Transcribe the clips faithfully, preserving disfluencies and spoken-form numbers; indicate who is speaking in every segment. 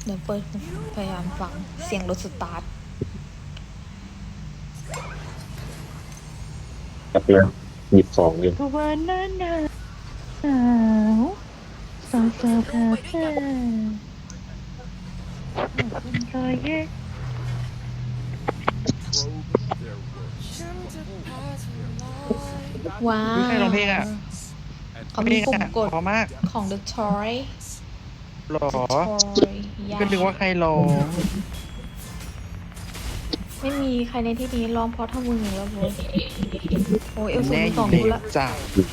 Speaker 1: เดี๋ยวเปิดพยายามฟังเสียงรถสตาร์ท
Speaker 2: กระเพื่อนหยิบของอยู่
Speaker 3: ก็วันนั้นหนาวสาวสาวคาเฟ่เป็นรอยเย็บ
Speaker 1: ว้า
Speaker 3: ใครร้องเพลงอ่ะ
Speaker 1: เขามีปุ่มกด
Speaker 3: พอมาก
Speaker 1: ของ The Toy
Speaker 3: หรอ
Speaker 1: Toy
Speaker 3: ก็นึกว่าใครร้อง
Speaker 1: ไม่มีใครในที่นี้ร้องเพราะเท่ามึงแล้วโว้ยโอ้ยเอลสู
Speaker 3: แน่
Speaker 1: ง
Speaker 3: อ
Speaker 1: สอยู่ ง
Speaker 3: เล
Speaker 1: กู
Speaker 3: ย
Speaker 1: ละ
Speaker 3: จ้ะ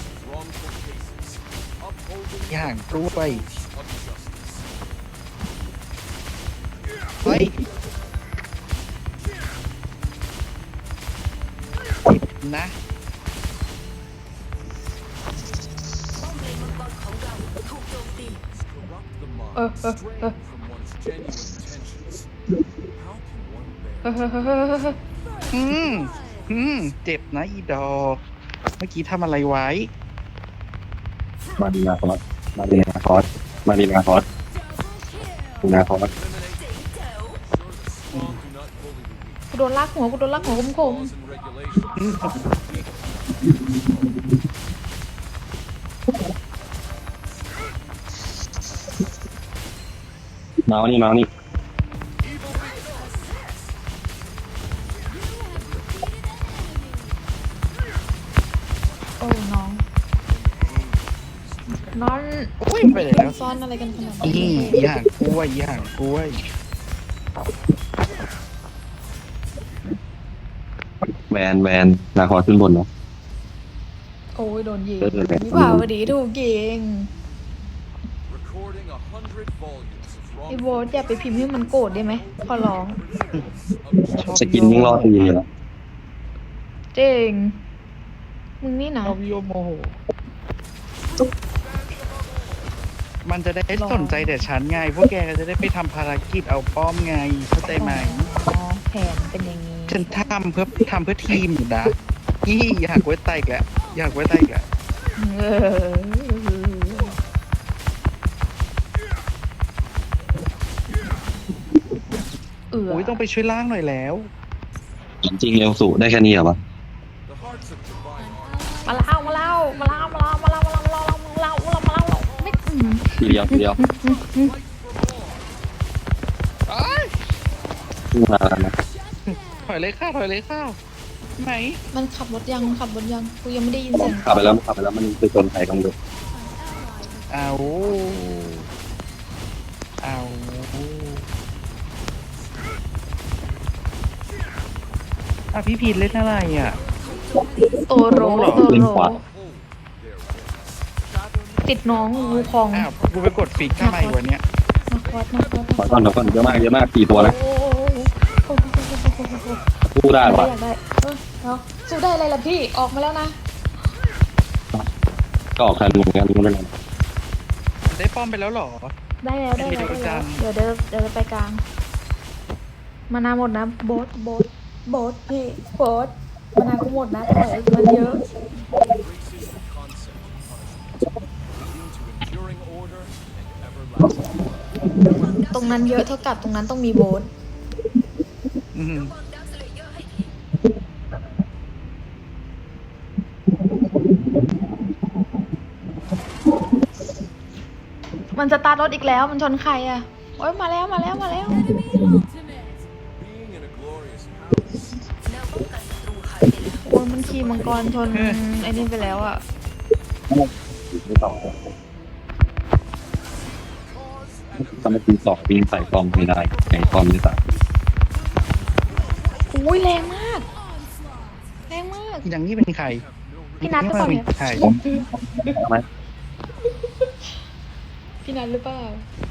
Speaker 3: อย่างกล้วยเฮ้ยจิบนะ
Speaker 1: เออเออเออเออเออเออเออ
Speaker 3: อืมอืมเจ็บนะอีดอก เมื่อกี้ทำอะไรไว้
Speaker 2: มาดีนาคอสมาดีนาคอสมาดีนาคอสดีนาคอส
Speaker 1: กูโดนลากหัวกูโดนลากหัวคมคม
Speaker 2: เมาส์นี่เมาส์นี่
Speaker 1: โอ้น้องนอน
Speaker 3: อุ้ยไปไหนแล้ว
Speaker 1: ซ่อนอะไรกันขนาด
Speaker 3: อี
Speaker 1: นี้
Speaker 3: อย่างกล้วยอย่างกล้วย
Speaker 2: แวนแวนนาคอสขึ้นบนเนาะ
Speaker 1: โอ้ยโดนยิง
Speaker 2: เออเออเออ
Speaker 1: วิภาวดีถูกยิงไอ้โบสอย่าไปพิมพ์ให้มันโกรธได้ไหมขอร้อง
Speaker 3: ชอบ
Speaker 2: สกินยิ่งรอดตีอยู่แล้ว
Speaker 1: เจ๋งมึงนี่นะ
Speaker 3: ชอบโยโมโห มันจะได้สนใจแต่ฉันไง พวกแกก็จะได้ไปทำภารกิจเอาป้อมไง เข้าใจไหม
Speaker 1: อ๋อแผนเป็นอย่างนี้
Speaker 3: ฉันทำเพื่อทำเพื่อทีมอยู่นะนี่อยากไว้ไตอีกแล้วอยากไว้ไตอีกแล้ว
Speaker 1: เออเออ
Speaker 3: โอ้ยต้องไปช่วยล่างหน่อยแล้ว
Speaker 2: จริงเอลสูได้แค่นี้เหรอวะ
Speaker 1: มาเล่ามาเล่ามาเล่ามาเล่ามาเล่ามาเล่ามาเล่ามาเล่ามาเล่ามาเล่าไม่อืม
Speaker 2: ทีเดียวทีเดียวมาแล้วนะ
Speaker 3: ถอยเลยข้าวถอยเลยข้าวไหน
Speaker 1: มันขับรถยังมันขับรถยังกูยังไม่ได้ยินเสียง
Speaker 2: ขับไปแล้วขับไปแล้วมันไปชนใครต้องดู
Speaker 3: เอาเอาอ่ะพี่พีทเล่นอะไรอ่ะ
Speaker 1: โตโรโตโรติดน้องงูพอง
Speaker 3: อ้าวกูไปกดฟิกทำไมวันเนี้ย
Speaker 1: มาคอสมาคอส
Speaker 2: ขอก่อนเดี๋ยวก่อนเยอะมากเยอะมากสี่ตัวนะ
Speaker 1: โอ้โห
Speaker 2: สู้ได้ปะ
Speaker 1: อยากได้เออเอาสู้ได้อะไรล่ะพี่ออกมาแล้วนะ
Speaker 2: ก็ออกแทนเหมือนกันไม่เป็นไร
Speaker 3: ได้ป้อมไปแล้วเหรอ
Speaker 1: ได้แล้วได้แล้วได้แล้วเดี๋ยวเดี๋ยวเดี๋ยวไปกลางมานาหมดนะโบสโบสโบสพี่โบสมานากูหมดนะถอยมันเยอะตรงนั้นเยอะเท่ากับตรงนั้นต้องมีโบส
Speaker 3: อืม
Speaker 1: มันจะตาร์ทรถอีกแล้วมันชนใครอ่ะโอ๊ยมาแล้วมาแล้วมาแล้วโอ้ยมันขี่มังกรชนไอ้นี่ไปแล้วอ่ะ
Speaker 2: ไม่ต่อทำไมตีสองปีนใส่กองไม่ได้ไอ้กองไม่ใส่
Speaker 1: อุ้ยแรงมากแรงมาก
Speaker 3: อย่างนี้เป็นใคร
Speaker 1: พี่นัทหรือเปล่าเนี่ย
Speaker 3: ใคร
Speaker 2: ทำไม
Speaker 1: พี่นัทหรือเปล่า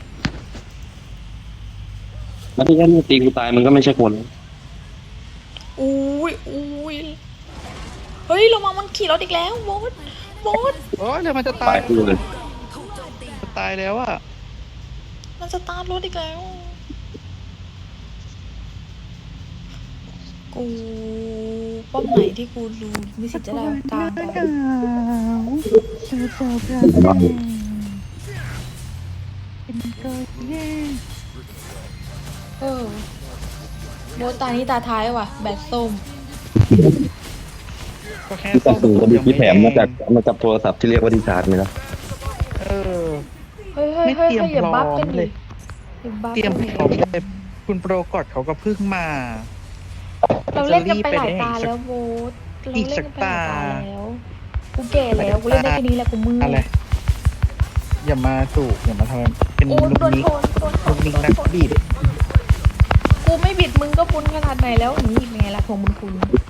Speaker 2: แล้วที่แค่ตีกูตายมันก็ไม่ใช่คน
Speaker 1: อุ้ยอุ้ยเฮ้ยระวังมันขี่รถอีกแล้วโบสโบส
Speaker 3: โอ้ยเดี๋ยวมันจะ
Speaker 2: ตา
Speaker 3: ตาย ย
Speaker 2: คู่เลย
Speaker 3: จะตายแล้วอ่ะ
Speaker 1: มันสตาร์ทรถอีกแล้วกูป้อมไหนที่กูรู้มีสิทธิ์จะได้กลางได้
Speaker 3: เธอเจอกันเป็นตัวเย่
Speaker 1: เออโบทตานี้ตาท้ายว่ะ แบตส้ม
Speaker 3: ก็แค่
Speaker 2: แต่
Speaker 3: ส้ม
Speaker 2: สูงก็มี
Speaker 3: ยัง
Speaker 2: ที่แถมมาจาก
Speaker 3: แดง
Speaker 2: มาจากโทรศัพท์ที่เรียกว่าดีชาร์จไหมนะ
Speaker 3: เออ
Speaker 1: เฮ้ยเฮ้ย
Speaker 3: ไม่
Speaker 1: เฮ้ย
Speaker 3: เตรียม
Speaker 1: อย่าบัฟกัน
Speaker 3: พร้อมเล
Speaker 1: ดิ
Speaker 3: ย
Speaker 1: อย่าบัฟ
Speaker 3: เตรียม
Speaker 1: กัน
Speaker 3: พร้อม
Speaker 1: ดิ
Speaker 3: เลยคุณโปรกอดเขาก็เพิ่งมา
Speaker 1: เราเล่นกันไปหลายตา
Speaker 3: จะรีบไปไหน
Speaker 1: แล้วโบทเรา
Speaker 3: อี
Speaker 1: เล่
Speaker 3: ก
Speaker 1: น
Speaker 3: สั
Speaker 1: กั
Speaker 3: ก
Speaker 1: นไปหลายตา
Speaker 3: ตา
Speaker 1: แล้ว กูแก่แล้วกูเล่นได้แค่นี้แหละกูมือ
Speaker 3: อะไร อย่ามาสู่อย่ามาทำเป็น
Speaker 1: โอ้
Speaker 3: ลูก
Speaker 1: โดน
Speaker 3: นิก
Speaker 1: ชนโดนช
Speaker 3: ลู
Speaker 1: น
Speaker 3: กนิก
Speaker 1: โดน
Speaker 3: นัก
Speaker 1: ชน
Speaker 3: บิด
Speaker 1: กูไม่บิดมึงก็ปุ้นขนาดไหนแล้วอย่างนี้ไงล่ะทวงบุญคุณ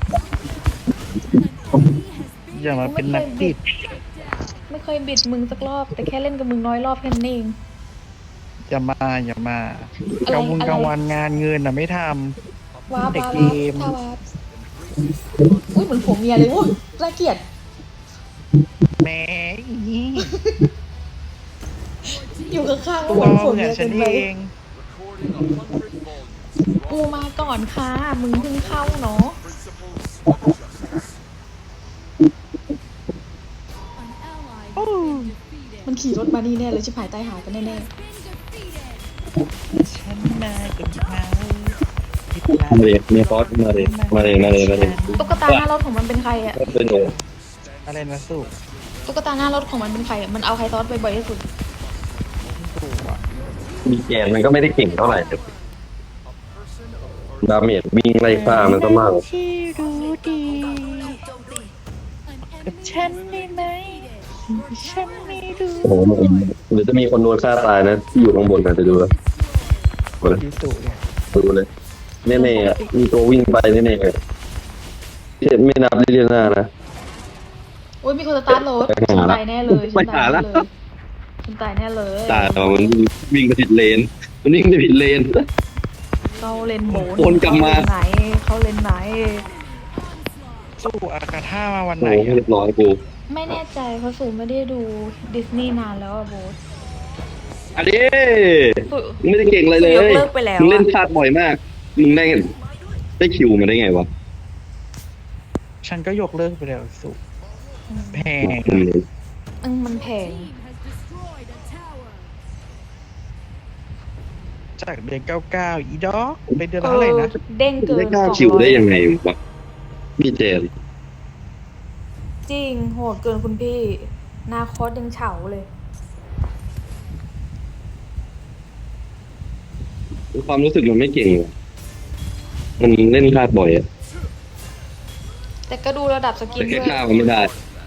Speaker 3: อย่ามาเป็นนักบิด
Speaker 1: ไม่เคยบิดมึงสักรอบ แต่แค่เล่นกับมึงน้อยรอบแค่นั้นเอง
Speaker 3: อย่ามาอย่ามา
Speaker 1: อะไร
Speaker 3: กลางวัน
Speaker 1: อะไร
Speaker 3: กลางวันงานเงินน่ะไม่ท
Speaker 1: ว้าบ
Speaker 3: เด็ก
Speaker 1: ว้าบ
Speaker 3: เก
Speaker 1: ว้าบ
Speaker 3: ม
Speaker 1: ถ้าว้าบอุ้ยเหมือนผัวเมียเลยอุ้ยน่าเกลียด
Speaker 3: ำแหมอี
Speaker 1: อยู่ข้างๆ
Speaker 3: ตั
Speaker 1: ก็
Speaker 3: ว
Speaker 1: เหมือนผัว
Speaker 3: เหมื
Speaker 1: เมี
Speaker 3: อน
Speaker 1: ย
Speaker 3: ฉั
Speaker 1: เกิ
Speaker 3: น
Speaker 1: นไป
Speaker 3: เอง
Speaker 1: กูมาก่อนค่ะ มึงเพิ่งเข้าเนาะ
Speaker 3: โอ้
Speaker 1: มันขี่รถมานี่แน่เลยชิบหายตายหากันแน่
Speaker 3: ฉันมากับเขาผิดหลัง
Speaker 2: มาเลยมีฟอสมาเลยมาเลยมาเลยมาเลย
Speaker 1: ๆตุ๊กตาหน้ารถของมันเป็นใครอะ
Speaker 2: เป็นหนู
Speaker 3: อะไรนะสู่
Speaker 1: ตุ๊กตาหน้ารถของมันเป็นใครอะมันเอาใครซอสบ่อยๆที่สุด
Speaker 3: สู่อ่ะ
Speaker 2: มีแกนมันก็ไม่ได้เก่งเท่าไหร่แต่ดาเมจวิ่งไล่ฆ่ามันก็มาก
Speaker 3: ที่รู้ดีกับฉันได้ไหมฉันไม่รู้
Speaker 2: โอ้โหหรือจะมีคนโดนฆ่าตายนะที่อยู่ข้างบนนะจะดูแล้วดูเลย
Speaker 3: ที่สู่เนี่ย
Speaker 2: ดูเลยแน่ๆอ่ะมีตัววิ่งไปแน่ๆเลยไม่นับลิเลียนานะ
Speaker 1: โอ้ยมีคนสตาร์ทรถ
Speaker 2: ไปหา
Speaker 1: ฉัน
Speaker 2: ละ
Speaker 1: ตายแน่เลยฉัน
Speaker 2: ไป
Speaker 1: ตา
Speaker 2: หาย ละ
Speaker 1: แน่เลยฉันตายแน่เลย
Speaker 2: ตายแล้วมันวิ่งไปผิดเลน มันวิ่งไปผิดเลน
Speaker 1: เขาเลนโบน
Speaker 2: วนกลับมา
Speaker 1: เขเลนไหนเขาเลนไหน
Speaker 3: สู่อากาธามาวันไหน
Speaker 2: โอ้โห
Speaker 3: อะ
Speaker 2: เรียบร้อยกู
Speaker 1: ไม่แน่ใจเพราะสูไม่ได้ดูดิสนีย์นานแล้วอะโบส
Speaker 2: อันนี้
Speaker 1: สู
Speaker 2: มึงไม่ได้เก่งอะไรเลย
Speaker 1: สูยกเลิกไปแล้ว
Speaker 2: มึงเล่น
Speaker 1: อะ
Speaker 2: พลาดบ่อยมาก มึงได้ได้คิวมาได้ไงวะ
Speaker 3: ฉันก็ยกเลิกไปแล้วสู่แพง
Speaker 2: อืม
Speaker 1: อืมมันแพง
Speaker 3: จากเดือนเก้าเก้าอีดอกเป็นเดือนละเท่าไหร่นะ
Speaker 1: เออเด้งเกิน
Speaker 2: ได้เก้า
Speaker 1: สองร้อย
Speaker 2: คิวได้ยังไงวะพี่เจน
Speaker 1: จริงโหดเกินคุณพี่นาคอสยังเฉาเลย
Speaker 2: ความรู้สึกมันไม่เก่งว่ะมันเล่นพลาดบ่อยอะ
Speaker 1: แต่ก็ดูระดับสกิน
Speaker 2: แต่แค่
Speaker 1: ด้วย
Speaker 2: ฆ่ามันไม่ได้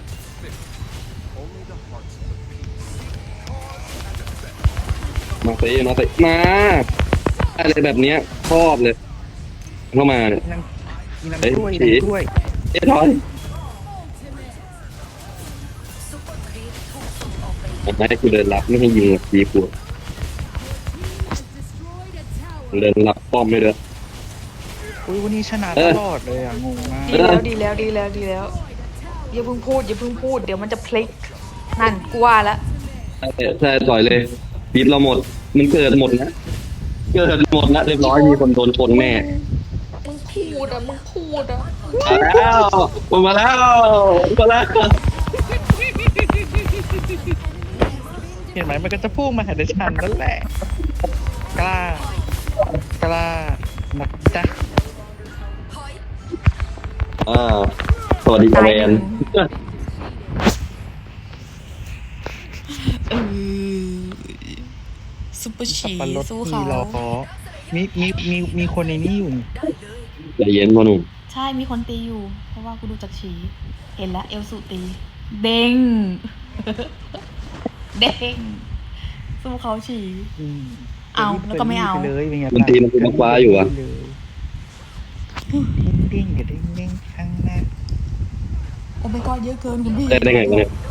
Speaker 2: มาเตะมาเตะมาอะไรแบบเนี้ยชอบเลย เข้ามาเนี่ย
Speaker 3: นางมีนาง
Speaker 2: เอ้ย
Speaker 3: ถ้วย
Speaker 2: ฉี
Speaker 3: นางถ้วย
Speaker 2: เอ้ยถอยผมให้กูเดินรับไม่ให้ยิงดีกูเดินรับป้อมไม่เด้อ
Speaker 3: อุ้ยวันนี้ชนะ
Speaker 2: เอ
Speaker 3: ต
Speaker 2: อ
Speaker 3: ลอดเลยอ่ะงงมาก
Speaker 1: ดีแล้วดีแล้วดีแล้วดีแล้วอย่าเพิ่งพูดอย่าเพิ่งพูดเดี๋ยวมันจะพลิกนั่นกูว่าละ
Speaker 2: ใช่ใช่ต่อยเลยบีบเราหมด มันเกิดหมดนะเกิดหมดนะเรียบร้อยมีคนโดนชนแน่
Speaker 1: มึงพูดอ่ะมึงพูดอ่ะ
Speaker 2: มาแล้วมาแล้วมาแล้ว
Speaker 3: เห็นไหมมันก็จะพุ่งมาหาดิฉันนั่นแหละ กล้ากล้านักจ๊ะ
Speaker 2: อ่าสวัสดีแมน
Speaker 1: เออซุปเปอร์
Speaker 3: สั
Speaker 1: ชี
Speaker 3: บปะรด
Speaker 1: สู้
Speaker 3: มี
Speaker 1: เขา
Speaker 3: ล้อมีมีมีมีคนในนี้อยู่
Speaker 2: ใจเย็นพ่อหนุ่ม
Speaker 1: ใช่มีคนตีอยู่ เพราะว่ากูดูจากชีเห็นแล้วเอลสุตี เด้ง เด้งสู้เขาฉี
Speaker 3: อืม
Speaker 1: เอาแล้วก็ไม่เอา
Speaker 3: ไปเลยเป็นไง
Speaker 2: มันตีมันเป็นฟ้าอยู่อะ
Speaker 3: เลยเด้งๆกับเด้งๆข้างหน้า
Speaker 1: โอ้ไม่ก็เยอะเกินคุณพี่
Speaker 2: ได้ได้ไงวะเนี่ย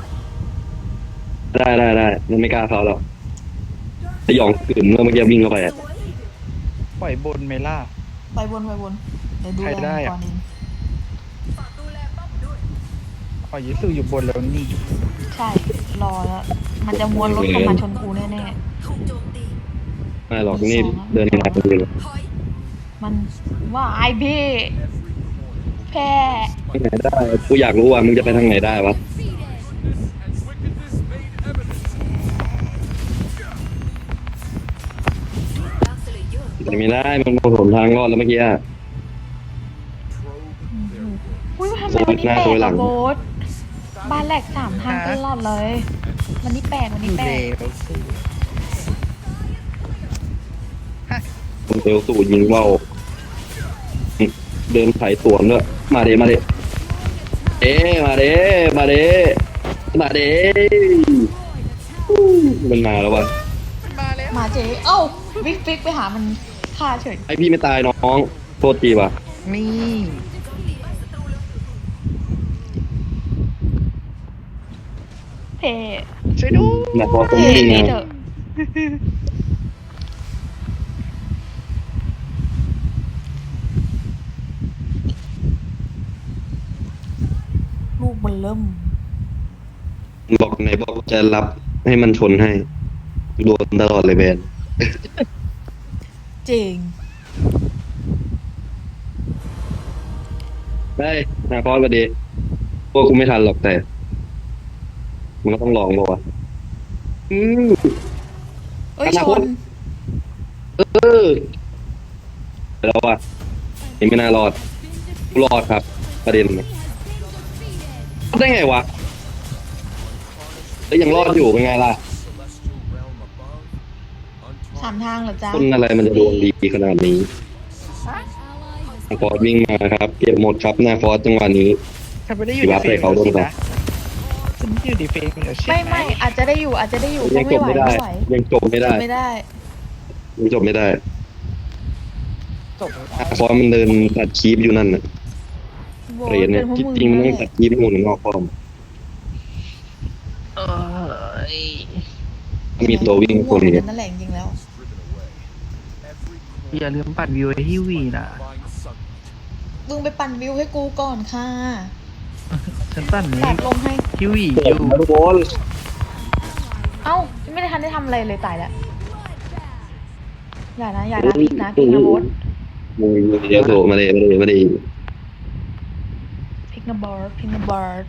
Speaker 2: ได้ได้ได้มันไม่กล้าเขาหรอกสยองกลืนเมื่อเมื่อกี้วิ่งเข้าไปอะ
Speaker 3: ปล่อยบนไหมล่ะ
Speaker 1: ไปวนไปวนเดี๋ยวดู
Speaker 3: ใคร
Speaker 1: แล
Speaker 3: ได้อะ
Speaker 1: ก่อนเอง
Speaker 3: อ๋อยิสุอยู่บนแล้วนี่
Speaker 1: ใช่ รอแล้ว มันจะม้วนรถเข้ามาชนกูแน่
Speaker 2: ไม่หรอกนี่เดินหนักเลย
Speaker 1: ๆ มันว่าไอพี่แพ้
Speaker 2: ทางไหนได้กูอยากรู้ว่ามึงจะไปทางไหนได้วะมันไม่ได้มันผลทางรอดแล้วเมื่อกี้อะ
Speaker 1: อุ้ยทำไมวันนี้แปลกอะโบสบ้านแหลกสามทางตลอดเลย วันนี้แปลกวัน
Speaker 3: อ
Speaker 1: นี้
Speaker 3: ยู่
Speaker 1: แปล
Speaker 3: เล
Speaker 1: ก
Speaker 3: วสิ
Speaker 2: มันเอลสูยิงเบาเดินไถ่สวนด้วยมาเดมาเดเอ๊มาเดมาเดมาเดมันมาแล้ววะ
Speaker 3: มาแล้ว
Speaker 1: มาเจ๊เอ้าวิกฟิกไปหามันฆ่าเฉย
Speaker 2: ไอพี่ไม่ตายน้องโทษทีว่ะ
Speaker 3: นี่
Speaker 1: เท่
Speaker 3: ช่วยดู
Speaker 2: นะพอตรง
Speaker 1: เท่
Speaker 2: นี้ไง
Speaker 1: นี่เถอะลูกมันเริ่ม
Speaker 2: บอกไหนบอกจะรับให้มันชนให้โดนตลอดเลยแบน
Speaker 1: จริง
Speaker 2: ได้นาคอสประเดี๋ยวพวกกูไม่ทันหรอกแต่ มันก็ต้องลองบอกว่าอืม
Speaker 1: เอ้ย
Speaker 2: อนา
Speaker 1: ช
Speaker 2: คต
Speaker 1: น
Speaker 2: เออแล้วอ่ะยังไม่น่ารอดกูรอดครับ ประเด็นนะรอดได้ไงวะแล้วยังรอดอยู่เป็นไงล่ะ
Speaker 1: สามทางเหรอจ๊ะ
Speaker 2: คนอะไรมันจะดวงดีขนาดนี้นาคอสวิ่งมาครับ เก็บหมดครับนาคอสจังหวะนี้
Speaker 3: ฉันไม่ได้อยู่
Speaker 2: ถือว่า
Speaker 3: ในเฟรม
Speaker 2: ไปเขาด้วย
Speaker 3: สิ
Speaker 2: ปะ
Speaker 3: นะฉันอยู่ในเฟรมอยู่ใช่
Speaker 1: ไม่
Speaker 3: ไหม
Speaker 1: ไม่อาจจะได้อยู่อาจจะได้อยู่
Speaker 2: ยั
Speaker 1: ก็
Speaker 2: งจ
Speaker 1: ไม่
Speaker 2: บ
Speaker 1: ไหว
Speaker 2: ไม่ได้
Speaker 1: ไม่ไหว
Speaker 2: ยังจบไม่ได้
Speaker 1: ไม่ได้
Speaker 2: ยังจบไม่ได้
Speaker 3: จบแล้ว
Speaker 2: นาคอสมันเดินตัดคีบอยู่นั่นน่ะ
Speaker 1: โบ
Speaker 2: เหรียญเนี่ย
Speaker 1: ป็พวก
Speaker 2: จริงๆมันต้อง
Speaker 1: แห
Speaker 2: ตั
Speaker 1: ละ
Speaker 2: ดคีบหมุนนอกป้อม
Speaker 3: เอ้ย
Speaker 2: ถ้ามีตัววิ่งคน
Speaker 1: นี้
Speaker 2: นี้
Speaker 1: นั่นแหละจริงๆแล้ว
Speaker 3: อย่าลืมปัดวิวให้ที่วีนะ
Speaker 1: มึงไปปั่นวิวให้กูก่อนค่ะ
Speaker 3: ฉันปั่นนี้
Speaker 1: ตัดลงให้
Speaker 3: ที่วี
Speaker 2: โอ้
Speaker 3: อยู่
Speaker 2: โหทุกคน
Speaker 1: เอ้าไม่ได้ทันได้ทำอะไรเลยตายแล้วอย่านะอย่านะพิกนะพิกนะโบส
Speaker 2: มึงเดี๋ยวโผล่มาเลยมาเลยมาเลย
Speaker 1: พิกนะบอสพิกนะบอส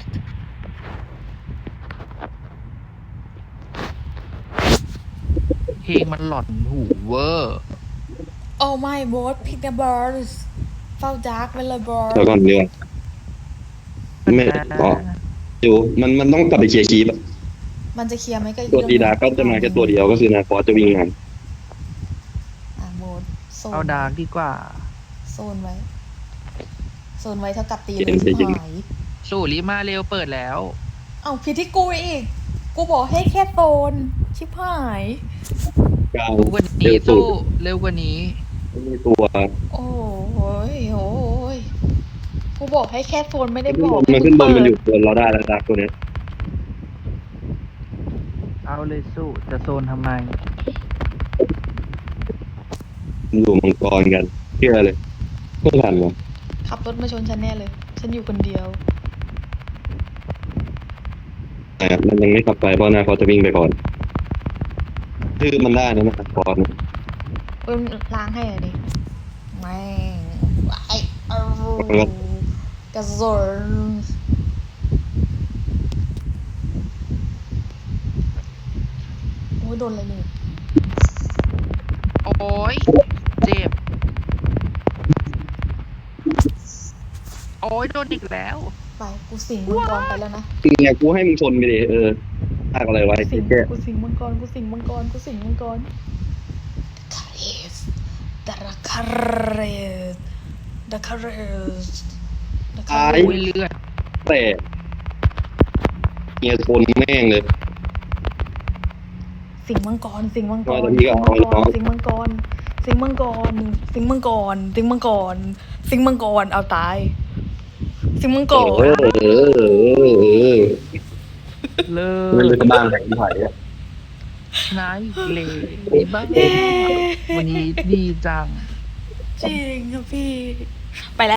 Speaker 3: เพลงมันหลอนหูเวอร์
Speaker 1: โอ้ไม่บอสพิกนะบอสเฝ้าจักไว้เลยบอส
Speaker 2: เดี๋ยวก่อนเดี๋ยวไม่อ๋ออยู่มันมันต้องกลับไปเคลียร์คีบอะ
Speaker 1: มันจะเคลียร์ไหมก็อีก
Speaker 2: ตัวตี
Speaker 1: เรื่อง
Speaker 2: ดาก็จะมาแค่ตัวเดียวก็คือนาคอสจะวิ่งมา
Speaker 1: อ่ะโบสโซน
Speaker 3: เอาดาร์กดีกว่า
Speaker 1: โซนไว้โซนไว้เท่ากับตีเลยชิบหาย
Speaker 3: สู่ลิมาเร็วเปิดแล้ว
Speaker 1: เอ้าผิดที่กูอีก กูบอกให้แค่โซนชิบหาย
Speaker 2: กลาง
Speaker 3: เร็วกว่า
Speaker 2: เร็
Speaker 3: นี้
Speaker 2: วสุ
Speaker 3: สู้
Speaker 2: ด
Speaker 3: เร็วกว่านี้
Speaker 2: ไม่มีตัว
Speaker 1: โอ้ยโอ้ยกูบอกให้แค่โซนไม่ได้บอก
Speaker 2: มันขึ้นบนมันอยู่
Speaker 1: เปิด
Speaker 2: บนเราได้แล้วดักตัวเนี้ย
Speaker 3: เอาเลยสู้จะโซนทำไม
Speaker 2: มันอยู่มังกรกันเชื่อเลยไม่ทันวะ
Speaker 1: ขับรถมาชนฉันแน่เลย ฉันอยู่คนเดียว
Speaker 2: แต่มันยังไม่กลับไปเพราะนาคอสจะวิ่งไปก่อนคือมันได้นะนาคอสนะ
Speaker 1: เอ้ยล้างให้อะดิแม่งไอเอากระสุนโอ้ยโดนอะไรเนี่ย
Speaker 3: โอ้ยเจ็บ โอ้ยโดนอีกแล้ว
Speaker 1: ไปกูสิงมังกรไปแล้วนะ
Speaker 2: เนี่ยกูให้มึงชนไปดิเออทากอะไรไว้
Speaker 1: กูสิง
Speaker 2: แค่
Speaker 1: กูสิงมังกรกูสิงมังกรกูสิงมังกรคาเรสดาราคาเรสดาคาเรสดาคาเร
Speaker 3: โอ้ย
Speaker 1: ส
Speaker 3: เลือด
Speaker 2: แต่เงียชนแม่งเลย
Speaker 1: สิงมังกรสิงมังกร
Speaker 2: ว่าแต่พี่ก็เอาไว้น้อง
Speaker 1: สิงมังกรสิงมังกรสิงมังกรสิงมังกรสิงมังกรเอาตาย สิงมังก
Speaker 2: เอ
Speaker 1: ร
Speaker 2: อเออเออเออ
Speaker 3: เลิ
Speaker 2: มันเลย
Speaker 3: ศ
Speaker 2: กระบ้างแข่งที่ไผ่อะ
Speaker 3: นายเลยดีบ้างวันนี้ดีจัง
Speaker 1: จริงครับพี่ ไปแล้ว